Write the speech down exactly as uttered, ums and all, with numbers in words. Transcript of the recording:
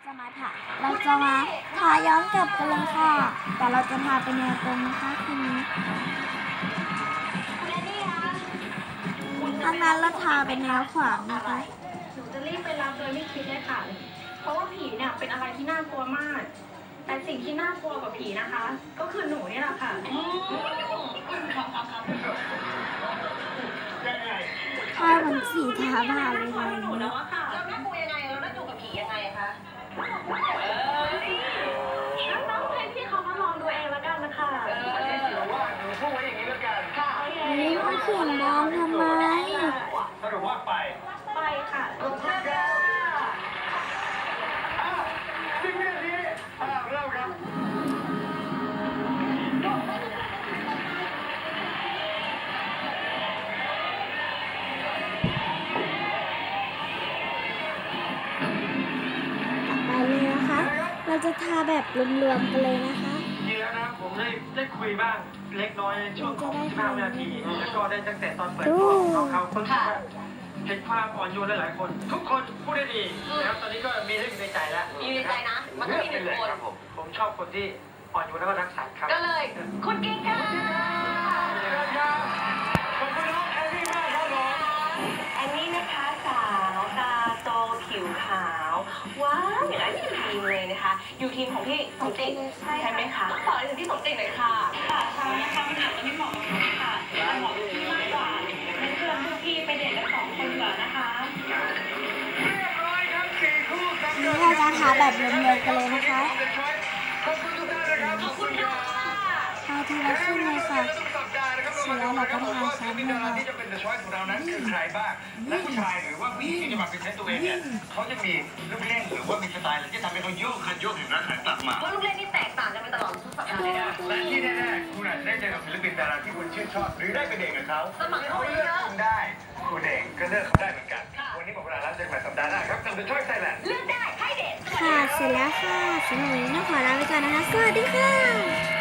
จะมาถ่าเราจะมาทาย้อนกลับกันเลยค่ะ แต่เราจะทาเป็นแนวตรงนะคะคืนนี้ทางนั้นเราทาเป็นแนวขวางนะคะหนูจะรีบไปรับโดยไม่คิดเลยค่ะ เพราะว่าผีเนี่ยเป็นอะไรที่น่ากลัวมาก แต่สิ่งที่น่ากลัวกว่าผีนะคะ ก็คือหนูนี่แหละค่ะทาเหมือนสีทาบ้าเลยค่ะหนูแล้วอะค่ะเราน่ากลัวยังไงเราน่ากลัวกับผียังไงอะคะน้องๆให้พี่เขามาลองดูเองแล้วกันนะคะเออว่าหนูพูดไว้อย่างนี้แล้วกันค่ะนี่มันเขียนมองทำไมสรุปว่าไปไปค่ะลงมาเลยสิบวินาทีอ่าเริ่มครับไปเลยนะคะ เราจะทาแบบรวมๆกันเลยนะคะจริงแล้วนะผมได้ได้คุยบ้างเล็กน้อยในช่วงของสิบห้าวินาทีแล้วก็ได้ตั้งแต่ตอนเปิดกล้องน้องเขาเพิ่งว่าเห็นความอ่อนโยนหลายๆคน ทุกคนพูดได้ดีนะครับตอนนี้ก็มีเรื่องในใจแล้วมีในใจนะ มันต้องมีหนึ่งคนครับผมผมชอบคนที่อ่อนโยนแล้วก็รักสัตว์ครับก็เลย คุณกิ๊กค่ะขอบคุณน้องแอนนี่มากครับผมอันนี้นะคะสาวตาโตผิวขาวว้าวอย่างนั้นอยู่ทีมเลยนะคะ อยู่ทีมของพี่สมจิตใช่ไหมคะขอถึงพี่สมจิตหน่อยค่ะค่ะใช่ค่ะมันอาจจะไม่เหมาะกับหนูค่ะแต่เหมาะกับพี่มากกว่างั้นเชิญพวกพี่ไปเดทกันสองคนดีกว่านะคะเรียบร้อยครับสี่คู่กำนี่ลังเราจะทาแบบรวมๆกันเลยนะคะขอบคุณทุกท่านนะครับขอบคุณค่ะทาทีละครึ่งเลยค่ะทุกสัปดาห์นะครับเรามาดูนะครับว่าศิลปินดาราที่จะเป็น The Choice ของเรานั้นคือใครบ้าง และผู้ชายหรือว่าผู้หญิงที่จะมาเป็นเซตตัวเองเนี่ยเขาจะมีลูกเล่นหรือว่ามีสไตล์อะไรที่ทำให้เขาโยกคันโยกถึงรักหันกลับมาว่าลูกเล่นนี่แตกต่างกันไปตลอดทุกสัปดาห์เลยนะและที่แน่ๆคุณอาจจะได้เจอกับศิลปินดาราที่คุณชื่นชอบ หรือได้ไปเดทกับเขาสมัครเข้าไปเยอะคุณได้คุณเองก็เลือกเขาได้เหมือนกัน วันนี้หมดเวลาแล้วเจอกันใหม่สัปดาห์หน้าครับกับ The Choice Thailand เลือกได้ให้เด็ดค่ะ เสร็จแล้วค่ะสำหรับวันนี้ต้องขอลาไปก่อนนะคะ สวัสดีค่ะ